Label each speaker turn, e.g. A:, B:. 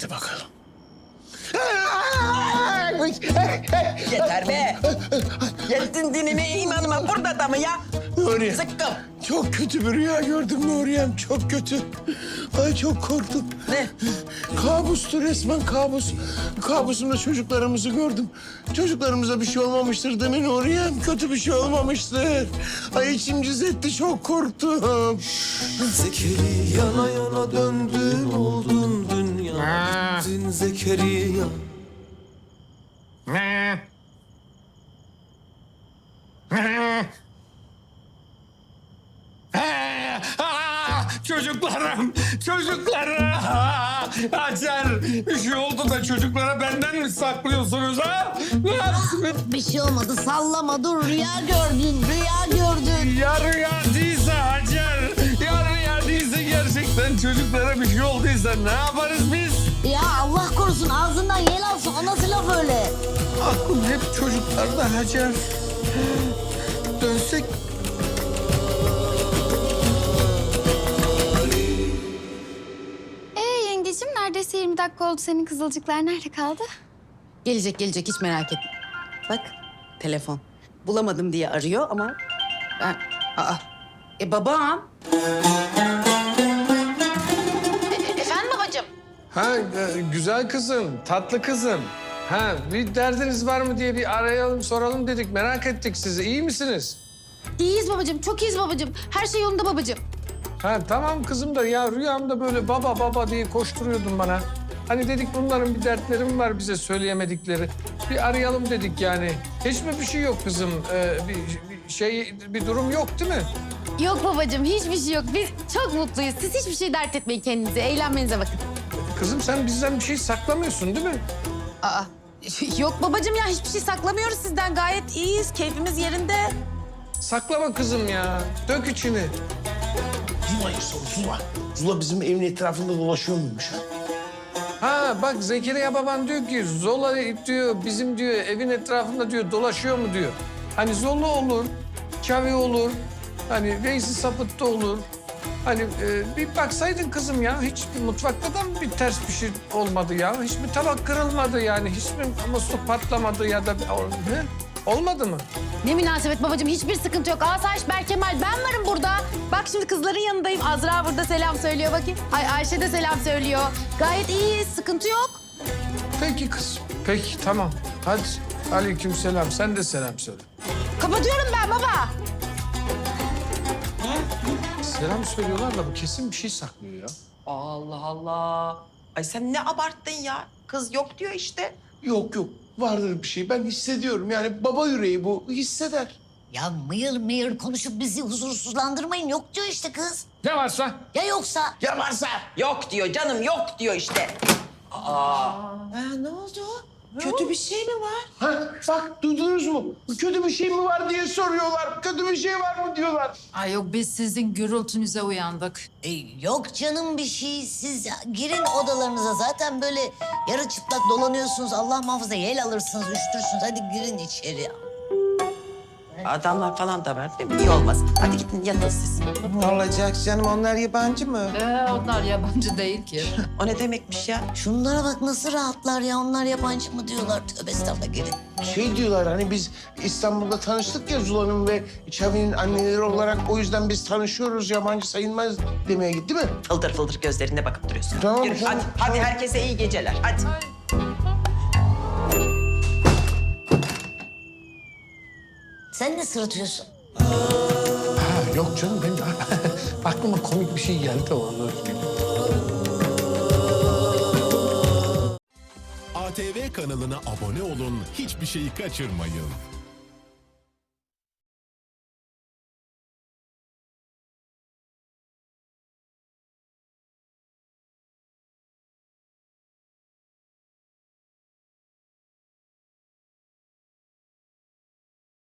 A: Hadi bakalım.
B: Yeter be. Geldin dinine imanıma burada da mı ya?
A: Nuriye.
B: Sıkkım.
A: Çok kötü bir rüya gördüm Nuriye'm. Çok kötü. Ay çok korktum.
B: Ne?
A: Kabustu resmen kabus. Kabusumda çocuklarımızı gördüm. Çocuklarımıza bir şey olmamıştır değil mi Nuriye'm? Kötü bir şey olmamıştır. Ay içim cız etti, çok korktum.
C: Zekeriya yana döndün oldun dünya. Gittin Zekeriya.
D: Çocuklarım, çocuklarım. Hacer, bir şey oldu da çocuklara benden mi saklıyorsunuz ha? Ne yaptınız?
E: Bir şey olmadı, sallama, dur. Rüya gördün, rüya gördün.
D: Ya rüya değilse Hacer, ya rüya değilse gerçekten çocuklara bir şey olduysa ne yaparız biz?
E: Ya Allah korusun, ağzından yel alsın. O nasıl laf öyle?
D: Aklım hep çocuklarda Hacer. Dönsek.
F: Yengeciğim neredeyse 20 dakika oldu. Senin kızılcıklar nerede kaldı?
G: Gelecek hiç merak etme. Bak telefon. Bulamadım diye arıyor ama ben... Babam. Efendim babacığım?
D: Ha güzel kızım, tatlı kızım. Ha bir derdiniz var mı diye bir arayalım soralım dedik. Merak ettik sizi. İyi misiniz?
F: İyiyiz babacığım, çok iyiyiz babacığım. Her şey yolunda babacığım.
D: Ha tamam kızım da ya rüyamda böyle baba baba diye koşturuyordun bana. Hani dedik bunların bir dertleri mi var bize söyleyemedikleri. Bir arayalım dedik yani. Hiç mi bir şey yok kızım? Bir durum yok değil mi?
F: Yok babacığım, hiçbir şey yok. Biz çok mutluyuz. Siz hiçbir şey dert etmeyin kendinize. Eğlenmenize bakın.
D: Kızım sen bizden bir şey saklamıyorsun değil mi?
G: Yok babacığım ya hiçbir şey saklamıyoruz sizden. Gayet iyiyiz. Keyfimiz yerinde.
D: Saklama kızım ya. Dök içini.
A: Zula'yı sor, Zula. Zula bizim evin etrafında dolaşıyor muymuş ha?
D: Ha bak Zekeriya baban diyor ki Zola diyor bizim diyor evin etrafında diyor dolaşıyor mu diyor. Hani Zola olur, Çavi olur, hani Veysi Sapıt da olur. Hani bir baksaydın kızım ya hiç mutfakta da mı bir ters bir şey olmadı ya? Hiç mi tabak kırılmadı yani? Hiç mi musluk patlamadı ya da ne? Olmadı mı?
F: Ne münasebet babacığım, hiçbir sıkıntı yok. Asayiş Berkemal, ben varım burada. Bak şimdi kızların yanındayım. Azra burada selam söylüyor bakayım. Ay Ayşe de selam söylüyor. Gayet iyiyiz, sıkıntı yok.
D: Peki kızım. Peki tamam. Hadi aleykümselam. Sen de selam söyle.
G: Kapatıyorum ben baba.
D: Selam söylüyorlar da bu kesin bir şey saklıyor ya.
B: Allah Allah. Ay sen ne abarttın ya? Kız yok diyor işte.
A: Yok yok, vardır bir şey. Ben hissediyorum. Yani baba yüreği bu, hisseder.
E: Ya mıyır mıyır konuşup bizi huzursuzlandırmayın. Yok diyor işte kız.
D: Ne varsa?
E: Ya yoksa?
A: Ya varsa?
B: Yok diyor canım, yok diyor işte.
G: Ne oldu? Kötü bir şey mi var?
A: Ha, bak duydunuz mu? Kötü bir şey mi var diye soruyorlar. Kötü bir şey var mı diyorlar.
H: Ay yok biz sizin gürültünüze uyandık.
E: Yok canım bir şey. Siz girin odalarınıza. Zaten böyle yarı çıplak dolanıyorsunuz. Allah muhafaza yel alırsınız, üşütürsünüz. Hadi girin içeri.
B: Adamlar falan da var değil mi? İyi olmaz. Hadi gidin yatın siz.
I: Ne olacak canım? Onlar yabancı mı?
H: Onlar yabancı değil ki.
B: O ne demekmiş ya?
E: Şunlara bak nasıl rahatlar ya. Onlar yabancı mı diyorlar. Tövbe estağfurullah, girin.
A: Şey diyorlar hani biz İstanbul'da tanıştık ya Zula'nın ve Çavi'nin anneleri olarak, o yüzden biz tanışıyoruz, yabancı sayılmaz demeye gitti mi?
B: Fıldır fıldır gözlerine bakıp duruyorsun.
A: Tamam,
B: Yürü,
A: tamam,
B: hadi herkese iyi geceler. Hadi.
E: Sen ne sırıtıyorsun?
D: Ha, yok canım benim aklıma komik bir şey geldi onu.
J: ATV kanalına abone olun, hiçbir şeyi kaçırmayın.